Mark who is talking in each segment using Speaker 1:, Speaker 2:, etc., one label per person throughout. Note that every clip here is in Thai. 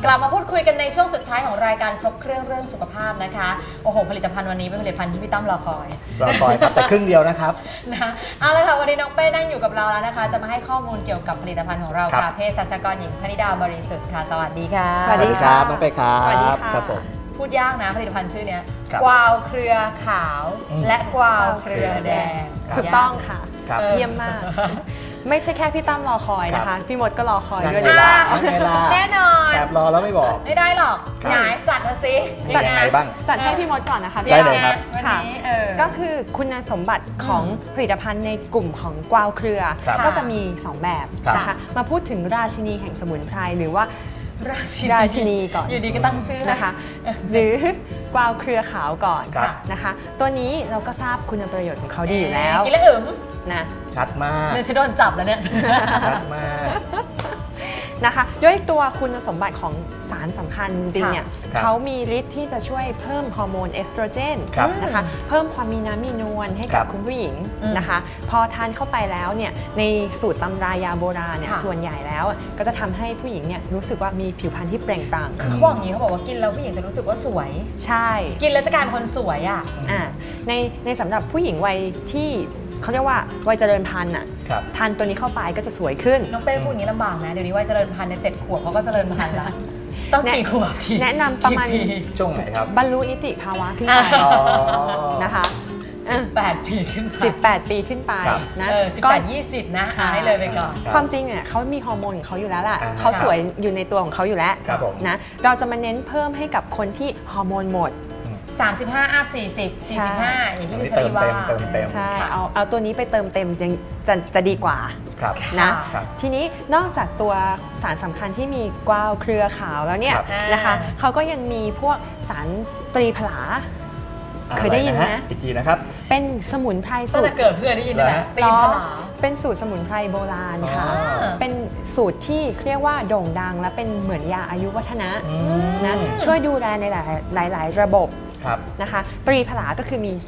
Speaker 1: ลับมาพูดคุยกันในช่วงสุดท้ายของรายการครบเครื่องสุขภาพนะคะโอ้โหผลิตภัณฑ์วันนี้เป็นผลิตภัณฑ์ที่พี่ตั้มรอคอย
Speaker 2: ครับแต่ครึ่งเดียวนะครับ
Speaker 1: นะเอาละค่ะวันนี้น้องเป้นั่งอยู่กับเราแล้วนะคะจะมาให้ข้อมูลเกี่ยวกับผลิตภัณฑ์ของเราค่ะเภสัชกรหญิงพนิดาบริสุทธิ์ค่ะสวัสดีค่ะ
Speaker 2: สวัสดีครับน้องเป้ครับ
Speaker 1: สวัสดีค่ะ
Speaker 2: ครับผม
Speaker 1: พูดยากนะผลิตภัณฑ์ชื่อนี้กวาวเครือขาวและกวาวเครือแดง
Speaker 3: ถูกต้องค่ะเยี่ยมมากไม่ใช่แค่พี่ตั้มรอคอยนะคะพี่มดก็รอคอยด้วย
Speaker 1: แน่นอน
Speaker 2: แอบรอแล้วไม่บอก
Speaker 1: ไม่ได้หรอกไหนจัดมาสิ
Speaker 2: จัดยังไงบ้าง
Speaker 3: จัดให้พี่มดก่อนนะคะ
Speaker 2: ได้เลยครับ
Speaker 1: วันนี้
Speaker 3: ก็คือคุณสมบัติของผลิตภัณฑ์ในกลุ่มของกวาวเครือก็จะมี 2 แบบนะคะมาพูดถึงราชินีแห่งสมุนไพรหรือว่าราชินีก่อน
Speaker 1: อยู่ดีก็ตั้งชื่อ
Speaker 3: นะคะหรือกวาวเครือขาวก่อนนะคะตัวนี้เราก็ทราบคุณประโยชน์ของเขาดีอยู่แล้ว
Speaker 1: กินแล้วอึม
Speaker 3: นะ
Speaker 2: ชัดมาก
Speaker 1: เนี่ยฉันโดนจับแล้วเนี่ย
Speaker 2: ชัดมาก
Speaker 3: นะคะด้วยตัวคุณสมบัติของสารสำคัญจริงเนี่ยเขามีฤทธิ์ที่จะช่วยเพิ่มฮอร์โมนเอสโตรเจนนะคะเพิ่มความมีน้ำมีนวลให้กับคุณผู้หญิงนะคะพอทานเข้าไปแล้วเนี่ยในสูตรตำรายาโบราณเนี่ยส่วนใหญ่แล้วก็จะทำให้ผู้หญิงเนี่ยรู้สึกว่ามีผิวพรรณที่เปล่งปลั่ง
Speaker 1: คือเขาบอกอย่างนี้เขาบอกว่ากินแล้วผู้หญิงจะรู้สึกว่าสวย
Speaker 3: ใช่
Speaker 1: กินแล้วจะกลายเป็นคนสวยอ่ะ
Speaker 3: ในสำหรับผู้หญิงวัยที่เขาเรียกว่าวัยเจริญพันธุ์อ่ะทานตัวนี้เข้าไปก็จะสวยขึ้น
Speaker 1: น้องเป้พูดอย่างนี้ลำบากนะเดี๋ยวนี้วัยเจริญพันธุ์ใน7 ขวบเขาก็เจริญพันธุ์แล้วต้องกี่ขวบ
Speaker 3: แนะนำประมาณ
Speaker 2: ช่วงไหนครับ
Speaker 3: บรรลุนิติภาวะขึ้นไปนะคะ
Speaker 1: 18 ปีขึ้นไป
Speaker 3: 18 ปีขึ้นไปนะ
Speaker 1: 18-20นะให้เลยไปก่อน
Speaker 3: ความจริงเนี่ยเขามีฮอร์โมนของเขาอยู่แล้วแหละเขาสวยอยู่ในตัวของเขาอยู่แล้วนะเราจะมาเน้นเพิ่มให้กับคนที่ฮอร์โมนหมด
Speaker 1: 35 อัพ 40 45อย่างที่พี่ชลีว่า
Speaker 3: ใช่เอาตัวนี้ไปเติมเต็มจะดีกว่านะทีนี้นอกจากตัวสารสำคัญที่มีกวาวเครือขาวแล้วเนี่ยนะคะเขาก็ยังมีพวกสารตรีผลาเคยได้ยินไหม
Speaker 2: อีกทีนะครับ
Speaker 3: เป็นสมุนไพรสูตร
Speaker 1: เกิดเพื่อนได้ยินไหมตรีผลา
Speaker 3: เป็นสูตรสมุนไพรโบราณค่ะเป็นสูตรที่เรียกว่าโด่งดังและเป็นเหมือนยาอายุวัฒนะนะช่วยดูแลในหลายระบบนะคะตรีผลาก็คือมี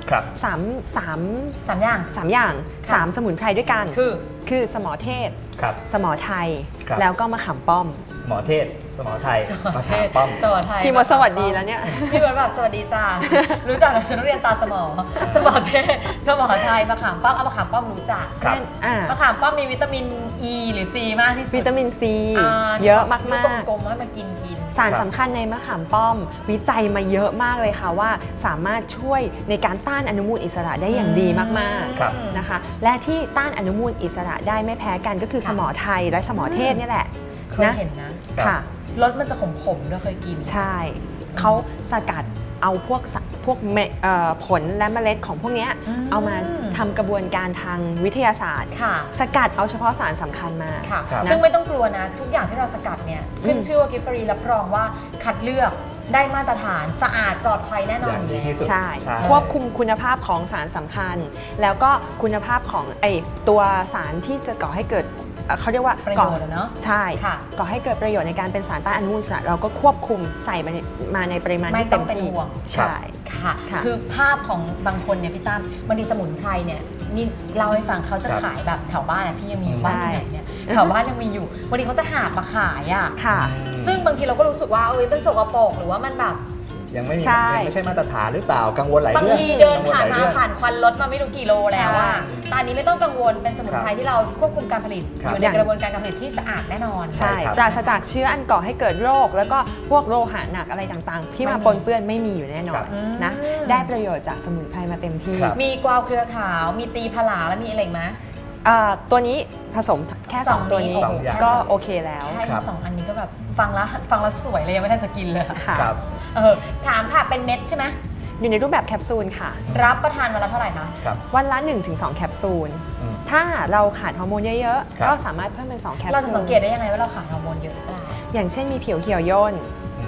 Speaker 3: 3 สมุนไพรด้วยกันคือสมอเทศสมอไทยแล้วก็มะขามป้อม
Speaker 2: สมอเทศสมอไทยมะขามป้อม
Speaker 3: พี่มดสวัสดีแล้วเนี่ย
Speaker 1: พี่มดแบบสวัสดีจ้ารู้จักแต่ฉันเรียนตาสมอเทศสมอไทยมะขามป้อมมะขามป้อมรู้จักมะขามป้อมมีวิตามิน E หรือ C มากที่สุด
Speaker 3: วิตามิน C เยอะมาก
Speaker 1: กลมๆให้มากิน
Speaker 3: สารสำคัญในมะขามป้อมวิจัยมาเยอะมากเลยค่ะว่าสามารถช่วยในการต้านอนุมูลอิสระได้อย่างดีมากๆนะคะและที่ต้านอนุมูลอิสระได้ไม่แพ้กันก็คือสมอไทยและสมอเทศนี่แหละ
Speaker 1: เคยเห็นนะ
Speaker 3: ค่ะ
Speaker 1: รสมันจะขมๆด้วยเคยกิน
Speaker 3: ใช่เขาสกัดเอาพวกผลและเมล็ดของพวกนี้เอามาทำกระบวนการทางวิทยาศาสตร์สกัดเอาเฉพาะสารสำคัญมา
Speaker 1: ซึ่งไม่ต้องกลัวนะทุกอย่างที่เราสกัดเนี่ยขึ้นชื่อว่ากิฟฟรีรับรองว่าคัดเลือกได้มาตรฐานสะอาดปลอดภัยแน่นอนเลย
Speaker 3: ใช่ควบคุมคุณภาพของสารสำคัญแล้วก็คุณภาพของตัวสารที่จะก่อให้เกิดเขาเรียกว่า
Speaker 1: ประโยชน์เนาะ
Speaker 3: ใช่ก่อให้เกิดประโยชน์ในการเป็นสารต้านอนุมูลอิสระเราก็ควบคุมใส่มาในปริมาณที่เต็มที่ใช่
Speaker 1: ค่ะคือภาพของบางคนเนี่ยพี่ตั้มบางทีสมุนไพรเนี่ยนี่เล่าให้ฟังเขาจะขายแบบแถวบ้านพี่ยังมีอยู่บ้านที่ไหนเนี่ยแถวบ้านยังมีอยู่วันนี้เขาจะหามาขายอ่ะซึ่งบางทีเราก็รู้สึกว่าเป็นสกปรกหรือว่ามันแบบ
Speaker 2: ยังไม่ใช่มาตรฐานหรือเปล่ากังวลหลายเรื่อง
Speaker 1: บางทีเดินผ่านควันรถมาไม่รู้กี่โลแล้วอ่ะตอนนี้ไม่ต้องกังวลเป็นสมุนไพรที่เราควบคุมการผลิตอยู่ในกระบวนการการผลิตที่สะอาดแน่นอน
Speaker 3: ใช่ปราศจากเชื้ออันก่อให้เกิดโรคแล้วก็พวกโลหะหนักอะไรต่างๆที่มาปนเปื้อนไม่มีอยู่แน่นอนนะได้ประโยชน์จากสมุนไพรมาเต็มที่
Speaker 1: มีกวาวเครือขาวมีตีผลาแล้วมีอะไรไหม
Speaker 3: ตัวนี้ผสมแค่2ตัวนี้ก็โอเคแล้ว
Speaker 1: แค่2 อันนี้ก็แบบฟังแล้วสวยเลยยังไม่ทันจะกินเลย
Speaker 3: ค่ะ
Speaker 1: ถามค่ะเป็นเม็ดใช่ไหม
Speaker 3: อยู่ในรูปแบบแคปซูลค่ะ
Speaker 1: รับประทานวันละเท่าไหร่คะ
Speaker 3: วันละ 1-2 แคปซูลถ้าเราขาดฮอร์โมนเยอะๆก็สามารถเพิ่มเป็น2 แคปซูล
Speaker 1: เราจะสังเกตได้ยังไงว่าเราขาดฮอร์โมนเยอะหรือเปล่า
Speaker 3: อย่างเช่นมีผิวเหี่ยวย่น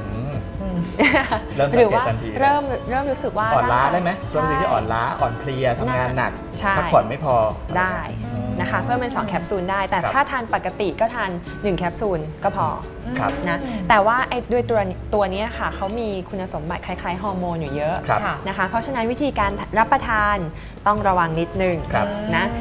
Speaker 3: หรือว่าเริ่มรู้สึกว่า
Speaker 2: อ่อนล้าได้ไหมช่วงที่อ่อนล้าอ่อนเพลียทำงานหนักพักผ่อนไม่พอ
Speaker 3: ได้นะคะเพิ่มเป็น2 แคปซูลได้แต่ถ้าทานปกติก็ทาน1 แคปซูลก็พอนะแต่ว่าด้วยตัวนี้ค่ะเขามีคุณสมบัติคล้ายๆฮอร์โมนอยู่เยอะนะคะเพราะฉะนั้นวิธีการรับประทานต้องระวังนิดนึงนะ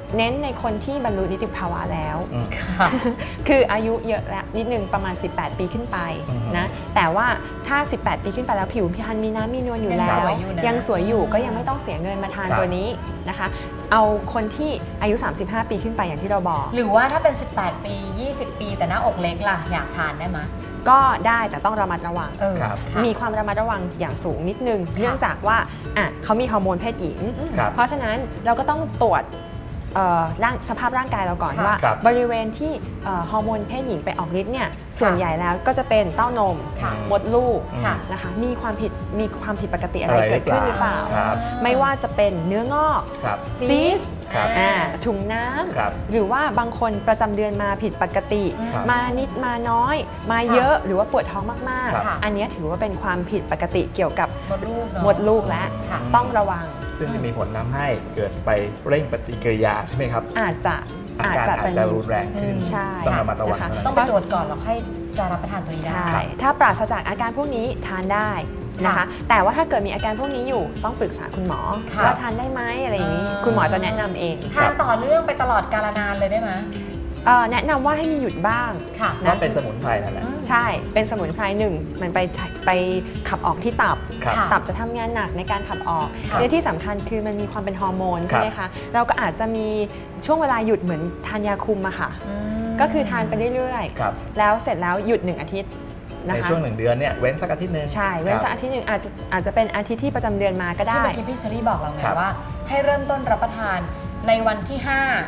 Speaker 3: เน้นในคนที่บรรลุนิติภาวะแล้ว
Speaker 1: ค่ะ
Speaker 3: คืออายุเยอะแล้วนิดนึงประมาณ 18 ปีขึ้นไปนะแต่ว่าถ้า 18 ปีขึ้นไปแล้วผิวพรรณมีน้ำมีนวลอยู่แล้วยังสวยอยู่ก็ยังไม่ต้องเสียเงินมาทานตัวนี้นะคะเอาคนที่อายุ 35 ปีขึ้นไปอย่างที่เราบอก
Speaker 1: หรือว่าถ้าเป็น 18 ปี 20 ปีแต่หน้าอกเล็กล่ะอยากทานได้ไหม
Speaker 3: ก็ได้แต่ต้องระมัดระวัง
Speaker 2: ครับ
Speaker 3: มีความระมัดระวังอย่างสูงนิดนึงเนื่องจากว่าเขามีฮอร์โมนเพศหญิง
Speaker 2: ครับ
Speaker 3: เพราะฉะนั้นเราก็ต้องตรวจสภาพร่างกายเราก่อน
Speaker 1: ค่ะ
Speaker 3: ว่า
Speaker 2: ครับ
Speaker 3: บริเวณที่ฮอร์โมนเพศหญิงไปออกฤทธิ์เนี่ยส่วนใหญ่แล้วก็จะเป็นเต้านม
Speaker 1: ค่ะ
Speaker 3: มดลูก
Speaker 1: ค่ะ
Speaker 3: นะคะมีความผิดปกติอะไรเกิดขึ้นหรือเปล่า
Speaker 2: ครับ
Speaker 3: ไม่ว่าจะเป็นเนื้องอก
Speaker 2: ครับ
Speaker 3: ซีส
Speaker 2: ครับ
Speaker 3: ถุงน้
Speaker 2: ครับ
Speaker 3: ำหรือว่าบางคนประจำเดือนมาผิดปกติ
Speaker 2: ครับ
Speaker 3: มานิดมาน้อย มาเยอะหรือว่าปวดท้องมาก
Speaker 2: ครับ
Speaker 3: ๆ อันนี้ถือว่าเป็นความผิดปกติเกี่ยวกับ
Speaker 1: มดลูกเนอะ
Speaker 3: มดลูกและ
Speaker 1: ค่ะ
Speaker 3: ต้องระวัง
Speaker 2: ซึ่งจะมีผลทำให้เกิดไปเร่งปฏิกิริยาใช่ไหมครับ
Speaker 3: อาจจะ
Speaker 2: อาการอาจจะรุนแรงขึ้น
Speaker 3: ใช่
Speaker 2: ต้องระมัดระวัง
Speaker 3: นะคะ
Speaker 2: เท่านั้น
Speaker 1: ต้องไปตรวจก่อนแล้วค่อยจะรับประทานตัวนี้ได้
Speaker 3: ใช่
Speaker 2: ครับ
Speaker 3: ถ้าปราศจากอาการพวกนี้ทานได้นะคะ
Speaker 1: ค่ะ
Speaker 3: แต่ว่าถ้าเกิดมีอาการพวกนี้อยู่ต้องปรึกษาคุณหมอ
Speaker 1: ค่ะ
Speaker 3: ว่าทานได้ไหมอะไรอย่างนี้ คุณหมอจะแนะนำเอง
Speaker 1: ทานต่อเนื่องไปตลอดกาลนานเลยได้ไหม
Speaker 3: แนะนำว่าให้มีหยุดบ้าง
Speaker 1: ค่ะ
Speaker 2: ว่าเป็นสมุนไพรนั่นแหละ
Speaker 3: ใช่ เป็นสมุนไพรหนึ่งมันไปขับออกที่ตับ
Speaker 2: ครับ
Speaker 1: ค่ะ
Speaker 3: ตับจะทำงานหนักในการขับออก
Speaker 2: ครับ
Speaker 3: และที่สำคัญคือมันมีความเป็นฮอร์โมนใช่ไหมคะ เราก็อาจจะมีช่วงเวลาหยุดเหมือนทานยาคุมอะค่ะ ก็คือทานไปเรื่อย
Speaker 2: ครับ
Speaker 3: ๆ แล้วเสร็จแล้วหยุด1 อาทิตย์นะ
Speaker 2: ใน
Speaker 3: คะ
Speaker 2: ช่วง1 เดือนเนี่ยเว้นสักอาทิตย์หนึง
Speaker 3: ใช่ เว้นสัก
Speaker 2: ครับ
Speaker 3: อาทิตย์หนึ่งอาจจะเป็นอาทิตย์ที่ประจำเดือนมาก็ได้
Speaker 1: ที่เมื่อกี้พี่เชอรี่บอกเราไง
Speaker 2: ครับ
Speaker 1: ว่า ให้เริ่มต้นรับประทานในวันที่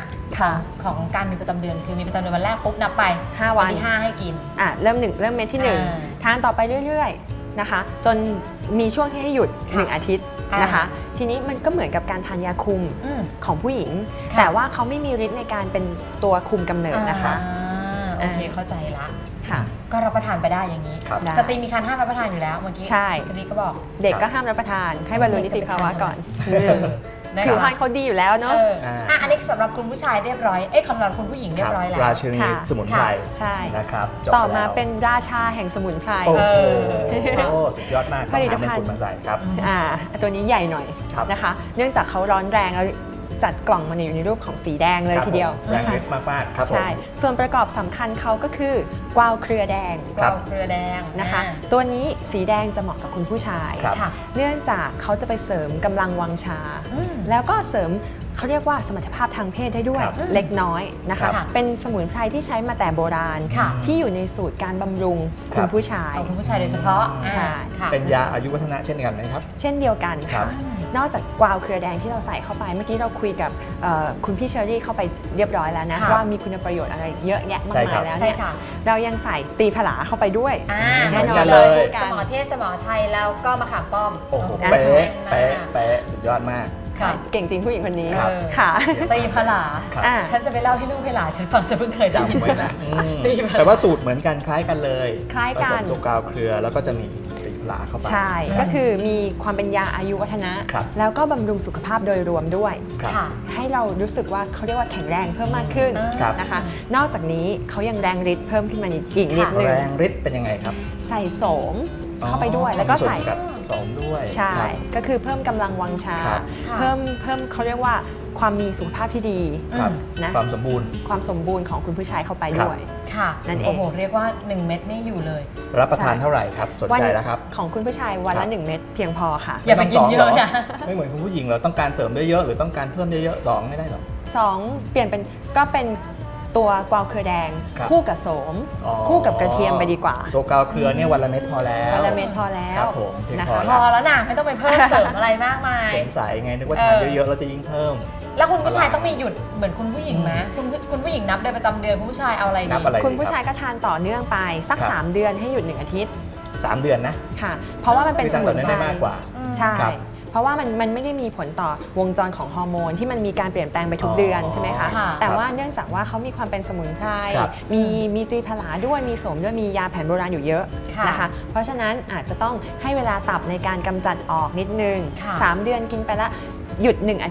Speaker 1: 5
Speaker 3: ค่ะ
Speaker 1: ของการมีประจำเดือนคือมีประจำเดือนวันแรกปุ๊บนับไป
Speaker 3: 5 วัน
Speaker 1: ที่ 5 ให้กิน
Speaker 3: เริ่มเม็ดที่
Speaker 1: อ่า
Speaker 3: 1 ทานต่อไปเรื่อยๆนะคะ จนมีช่วงที่ให้หยุด
Speaker 1: ค่ะ
Speaker 3: 1 อาทิตย์นะคะ ทีนี้มันก็เหมือนกับการทานยาคุม
Speaker 1: อืม
Speaker 3: ของผู้หญิง
Speaker 1: ค่ะ
Speaker 3: แต่ว่าเขาไม่มีฤทธิ์ในการเป็นตัวคุมกำเนิดนะคะ
Speaker 1: โอเคเข้าใจละ
Speaker 3: ค่ะ
Speaker 1: ก็รับประทานไปได้อย่างนี้
Speaker 2: ครับ
Speaker 3: ได้
Speaker 1: สตรีมีการห้ามรับประทานอยู่แล้วเมื่อกี้
Speaker 3: ใช่
Speaker 1: พี่เชอรี่ก็บอก
Speaker 3: เด็กก็ห้ามรับประทานให้บรรลุนิติภาวะก่อน
Speaker 1: นะ
Speaker 3: ผิวพรรณ
Speaker 1: คะ
Speaker 3: เขาดีอยู่แล้วเนาะ
Speaker 1: อันนี้สำหรับคุณผู้ชายเรียบร้อยสำหรับคุณผู้หญิงเรียบร้อยแล้ว
Speaker 2: ราชินี
Speaker 3: ค่ะ
Speaker 2: สมุนไพร
Speaker 3: ใช่
Speaker 2: นะครับจบ
Speaker 3: ต่อมา
Speaker 2: แล้ว
Speaker 3: เป็นราชาแห่งสมุนไพร
Speaker 2: โอ้โห
Speaker 1: เออ
Speaker 2: สุดยอดมากต้องหาเป็นคุณมาใส่ครับ
Speaker 3: ตัวนี้ใหญ่หน่อย
Speaker 2: ครับ
Speaker 3: นะคะ เนื่องจากเขาร้อนแรงแล้วจัดกล่องมาอยู่ในรูปของสีแดงเลย
Speaker 2: ครับ
Speaker 3: ทีเดียว
Speaker 2: ผมแรง
Speaker 3: นะคะ
Speaker 2: ฤทธิ์มากๆครับผม
Speaker 3: ใช่ ส่วนประกอบสำคัญเขาก็คือกวาวเครือแดง
Speaker 1: กวาวเครือแดง
Speaker 3: นะคะ ตัวนี้สีแดงจะเหมาะกับคุณผู้ชาย
Speaker 2: ครับ
Speaker 1: ค่ะ
Speaker 3: เนื่องจากเขาจะไปเสริมกำลังวังชา
Speaker 1: อืม
Speaker 3: แล้วก็เสริมเขาเรียกว่าสมรรถภาพทางเพศได้ด้วย
Speaker 2: ครับ
Speaker 3: เล็กน้อยนะคะ
Speaker 1: ครับ
Speaker 3: เป็นสมุนไพรที่ใช้มาแต่โบราณ
Speaker 1: ค่ะ
Speaker 3: ที่อยู่ในสูตรการบำรุง
Speaker 2: ค
Speaker 3: คุ
Speaker 2: รั
Speaker 3: ณ
Speaker 2: บ
Speaker 3: ผู้ชาย
Speaker 1: ของคุณผู้ชายโดยเฉพาะ
Speaker 3: ใช่
Speaker 1: ค่ะ
Speaker 2: เป็นยาอายุวัฒนะเช่นกันไหมครับ
Speaker 3: เช่นเดียวกัน
Speaker 2: ครั
Speaker 3: ค่ะ
Speaker 2: บ
Speaker 3: นอกจากกวาวเครือแดงที่เราใส่เข้าไป เมื่อกี้เราคุยกับคุณพี่เชอรี่เข้าไปเรียบร้อยแล้วนะ
Speaker 1: ค่ะ
Speaker 3: ว่ามีคุณประโยชน์อะไรเยอะแยะมาก
Speaker 2: ใช่ครั
Speaker 3: มาย
Speaker 2: บ
Speaker 3: แล้ว
Speaker 1: ใช่
Speaker 3: เนี่ย
Speaker 1: ค่ะ
Speaker 3: เรายังใส่ตีผลาเข้าไปด้วย
Speaker 1: เห
Speaker 3: แน่
Speaker 1: มือน
Speaker 3: นอ
Speaker 1: กัน น
Speaker 3: เล
Speaker 1: เลย ย
Speaker 3: กั
Speaker 1: ส
Speaker 3: น
Speaker 1: มอเทศสมอไทยแล้วก็มะขามป้อม
Speaker 2: โอ้โห
Speaker 3: อ่ะ
Speaker 2: เป๊ะ
Speaker 1: แม่น
Speaker 2: เป๊ะ
Speaker 1: มาก
Speaker 2: เป๊ะสุดยอดมาก
Speaker 1: ค่ะ
Speaker 3: เก่งจริงผู้หญิงคนนี้
Speaker 2: ครับ
Speaker 3: ค่ะ
Speaker 1: ตีผลา
Speaker 2: ครับ
Speaker 3: อ่ะ
Speaker 1: ฉันจะไปเล่าให้ลูกให้หลานฉันฟังฉันเพิ่งเคยได้ยิน
Speaker 2: จำไว้นะอืม
Speaker 1: ตีผลา
Speaker 2: แต่ว่าสูตรเหมือนกันคล้ายกันเลย
Speaker 3: คล้ายกัน
Speaker 2: ผสมตัวกาวเครือแล้วก็จะมีตีผลาเข้าไป
Speaker 3: ใช่ ก็คือมีความเป็นยาอายุวัฒนะ
Speaker 2: ครับ
Speaker 3: แล้วก็บำรุงสุขภาพโดยรวมด้วย
Speaker 2: ครับ
Speaker 1: ค่ะ
Speaker 3: ให้เรารู้สึกว่าเขาเรียกว่าแข็งแรงเพิ่มมากขึ้น
Speaker 2: ครับ
Speaker 3: นะคะ นอกจากนี้เขายังแรงฤทธิ์เพิ่มขึ้นมาอีกนิดนึง
Speaker 2: แรงฤทธิ์เป็นยังไงครับ
Speaker 3: ใส่โสมเข้าไปด้วย แล้วก็ใส่
Speaker 2: มีส่วนกับสมด้วย
Speaker 3: ใช่
Speaker 2: ครับ
Speaker 3: ก็คือเพิ่มกำลังวังชา
Speaker 2: ครับ
Speaker 1: ค่ะ
Speaker 3: เพิ่มเขาเรียกว่าความมีสุขภาพที่ดี
Speaker 2: ครับ
Speaker 3: นะ
Speaker 2: ความสมบูรณ์
Speaker 3: ความสมบูรณ์ของคุณผู้ชายเข้าไป
Speaker 2: ครับ
Speaker 3: ด้วย
Speaker 1: ค่ะ
Speaker 3: นั่นเอง
Speaker 1: โอ้โห เรียกว่า 1 เม็ดนี่อยู่เลย
Speaker 2: รับประทานเท่าไหร่ครับ สนใจแล้วครับ
Speaker 3: ของคุณผู้ชายวัน
Speaker 2: ครั
Speaker 3: ละ
Speaker 2: บ
Speaker 3: 1 เม็ดเพียงพอค่ะ
Speaker 1: อย่าไปกินเยอะนะ
Speaker 2: ไม่เหมือนคุณผู้หญิงเหรอต้องการเสริมเยอะๆหรือต้องการเพิ่มเยอะๆ2ไม่ได้หรอ
Speaker 3: 2 เปลี่ยนเป็นก็เป็นตัวกวาวเครือแดง
Speaker 2: ครับ
Speaker 3: คู่กับโสม
Speaker 2: อ๋อ
Speaker 3: คู่กับกระเทียมไปดีกว่า
Speaker 2: ตัวกาวเครือเนี่ยวันละเม็ดพอแล้ว
Speaker 3: วันละเม็ดพอแล้ว
Speaker 2: ครับผมเพียง
Speaker 3: นะ
Speaker 2: พอ
Speaker 3: คะ
Speaker 1: พอแล้วนะไม่ต้องไปเพิ่มเสริมอะไรมากมาย
Speaker 2: สงสัยไงนึกว่าทานเยอะๆแล้วจะยิ่งเพิ่ม
Speaker 1: แล้วคุณผู้ชายต้องมีหยุดเหมือนคุณผู้หญิงไหมคุณผู้หญิงนับเดือนประจำเดือนคุณผู้ชายเอาอะไร
Speaker 2: นั
Speaker 1: ดี
Speaker 2: บอะไร
Speaker 3: คุณผู้ชายก็ทานต่อเนื่องไปสัก
Speaker 2: ครับ
Speaker 3: 3 เดือนให้หยุด 1 อาทิตย์
Speaker 2: 3 เดือนนะ
Speaker 3: ค่ะ เพราะว่ามันเป็น
Speaker 2: คือ
Speaker 3: ส
Speaker 2: ทำ
Speaker 3: มุ
Speaker 2: แบบ
Speaker 3: น
Speaker 2: นั้น
Speaker 3: ไพร
Speaker 2: ได้มากกว่า
Speaker 3: ใช่
Speaker 2: ครับ
Speaker 3: เพราะว่ามันไม่ได้มีผลต่อวงจรของฮอร์โมนที่มันมีการเปลี่ยนแปลงไปทุกเดือนใช่ไหมคะ
Speaker 1: ค่ะ
Speaker 3: แต่ว่าเนื่องจากว่าเขามีความเป็นสมุนไพร
Speaker 2: ครับ
Speaker 3: มีตรีผลาด้วย มีโสมด้วย มียาแผนโบราณอยู่เยอะ
Speaker 1: ค่ะ
Speaker 3: นะคะ เพราะฉะนั้นอาจจะต้องให้เวลาตับในการกำจัดออกนิดนึง
Speaker 1: ค่ะ
Speaker 3: 3 เดือนกินไปละหยุด 1 อาทิตย์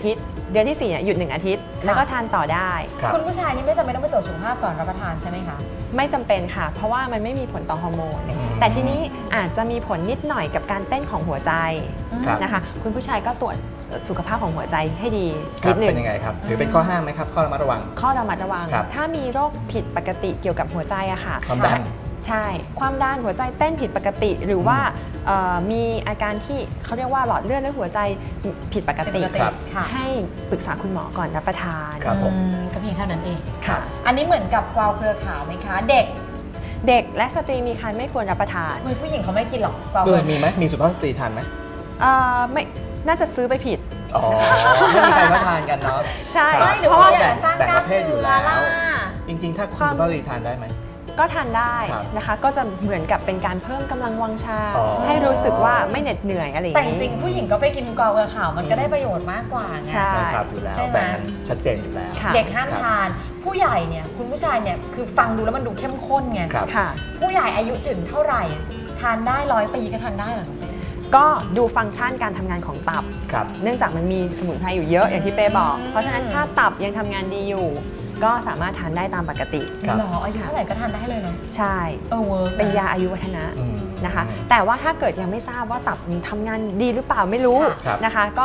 Speaker 3: เดือนที่4เนี่ยหยุด1อาทิตย์แล้วก็ทานต่อได้
Speaker 1: คุณผู้ชายนี่ไม่จำเป็นต้องไปตรวจสุขภาพก่อนรับประทานใช่ไหมคะ
Speaker 3: ไม่จำเป็นค่ะเพราะว่ามันไม่มีผลต่อฮอร์โมนแต่ทีนี้อาจจะมีผลนิดหน่อยกับการเต้นของหัวใจนะคะคุณผู้ชายก็ตรวจสุขภาพของหัวใจให้ดีนิดหนึ่ง
Speaker 2: เป็นยังไงครับถือเป็นข้อห้ามไหมครับข้อระมัดระวัง
Speaker 3: ข้อระมัดระวังถ้ามีโรคผิดปกติเกี่ยวกับหัวใจอะค่ะ
Speaker 2: ความดัน
Speaker 3: ใช่ความดันหัวใจเต้นผิดปกติหรือว่ามีอาการที่เขาเรียกว่าหลอดเลือดและหัวใจผิดปกติให้ปรึกษาคุณหมอก่อนรับประทาน
Speaker 1: ก็เพียงเท่านั้นเองค่ะอันนี้เหมือนกับกวาวเครือขาวไหมคะเด็ก
Speaker 3: และสตรีมีครรภ์ไม่ควรรับประทาน
Speaker 1: ผู้หญิงเขาไม่กินหรอกกวาว
Speaker 2: มีไหมมีสุภาพสตรีทานไหม
Speaker 3: ไม่น่าจะซื้อไปผิด
Speaker 2: อ๋อไม่มีใครมาทานกันเนาะ
Speaker 3: ใช่
Speaker 1: เพราะว่า
Speaker 2: แบ่งประเภทอยู่แล้วจริงๆถ้าคุณสุภาพสตรีทานได้ไหม
Speaker 3: ก็ทานได้นะคะก็จะเหมือนกับเป็นการเพิ่มกำลังวังชาให้รู้สึกว่าไม่เหน็ดเหนื่อยอะไรอย่าง
Speaker 1: นี้แต่จริงผู้หญิงก็ไปกินกวาวเครือขาวมันก็ได้ประโยชน์มากกว่าไง
Speaker 2: ใช่ครับอยู่แล้วแบ่งกันชัดเจนอยู่แล้ว
Speaker 1: เด็กห้ามทานผู้ใหญ่เนี่ยคุณผู้ชายเนี่ยคือฟังดูแล้วมันดูเข้มข้นไงผู้ใหญ่อายุถึงเท่าไหร่ทานได้100 ปีก็ทานได้หรอ
Speaker 3: ก็ดูฟังก์ชันการทำงานของตับเนื่องจากมันมีสมุนไพรอยู่เยอะอย่างที่เป้บอกเพราะฉะนั้นถ้าตับยังทำงานดีอยู่ก็สามารถทานได้ตามปกติ
Speaker 1: หรออายุเท่าไหร่ก็ทานได้เลยเนาะ
Speaker 3: ใช่เป็นยาอายุวัฒนะนะคะแต่ว่าถ้าเกิดยังไม่ทราบว่าตับทำงานดีหรือเปล่าไม่รู้นะคะก็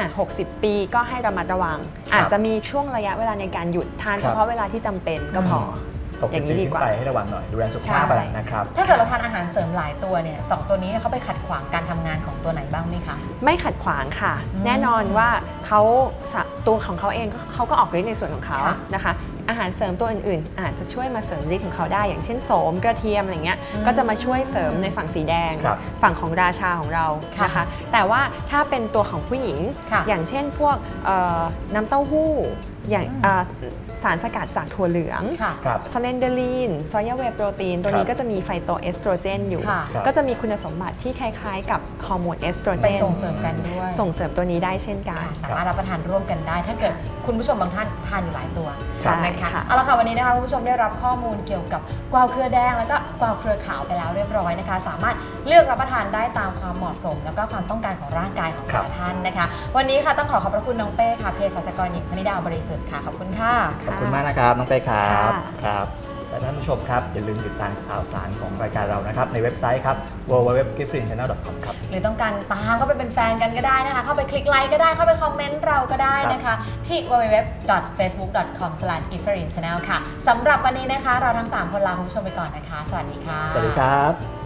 Speaker 3: 60 ปีก็ให้ระมัดระวังอาจจะมีช่วงระยะเวลาในการหยุดทานเฉพาะเวลาที่จำเป็นก็พอ
Speaker 2: อย่างนี้ดีกว่าให้ระวังหน่อยดูแลสุขภาพนะครับ
Speaker 1: ถ้าเกิดเราทานอาหารเสริมหลายตัวเนี่ย2 ตัวนี้เขาไปขัดขวางการทำงานของตัวไหนบ้างไหมคะ
Speaker 3: ไม่ขัดขวางค่ะแน่นอนว่าตัวของเขาเองเขาก็ออกฤทธิ์ในส่วนของเขานะคะอาหารเสริมตัวอื่นๆอาจจะช่วยมาเสริมฤทธิ์ของเขาได้อย่างเช่นโสมกระเทียมอะไรเงี้ยก็จะมาช่วยเสริมในฝั่งสีแดงฝั่งของราชาของเรานะคะแต่ว่าถ้าเป็นตัวของผู้หญิงอย่างเช่นพวกน้ำเต้าหู้อย่างสารสกัดจากถั่วเหลืองสเลนเดอรีนซอยาเวย์โปรตีนตัวนี้ก็จะมีไฟโตเอสโตรเจนอยู่ก็จะมีคุณสมบัติที่คล้ายๆกับฮอร์โมนเอสโตรเจน
Speaker 1: ส่งเสริมกันด้วย
Speaker 3: ส่งเสริมตัวนี้ได้เช่นกัน
Speaker 1: สามารถรับประทานร่วมกันได้ถ้าเกิดคุณผู้ชมบางท่านทานอยู่หลายตัวนะคะเอาละค่ะวันนี้นะคะคุณผู้ชมได้รับข้อมูลเกี่ยวกับกวาวเครือแดงแล้วก็กวาวเครือขาวไปแล้วเรียบร้อยนะคะสามารถเลือกรับประทานได้ตามความเหมาะสมแล้วก็ความต้องการของร่างกายของแต่ละท่านนะคะวันนี้ค่ะต้องขอบพระคุณน้องเป้ค่ะเภสัชกรหญิงพนิดาบริสุทธิ์ค่ะขอบคุณค่ะ
Speaker 2: ขอบคุณมากนะครับน้องเป้ครับและท่านผู้ชมครับอย่าลืมติดตามข่าวสารของรายการเรานะครับในเว็บไซต์ครับ www.giftfreenchannel.com ครับ
Speaker 1: หรือต้องการตามเข้าไปเป็นแฟนกันก็ได้นะคะเข้าไปคลิกไลค์ก็ได้เข้าไปคอมเมนต์เราก็ได้นะคะที่ www.facebook.com/giftfreenchannel ค่ะสำหรับวันนี้นะคะเราทั้ง3คนลาคุณผู้ชมไปก่อนนะคะสวัสดีค่ะ
Speaker 2: สวัสดีครับ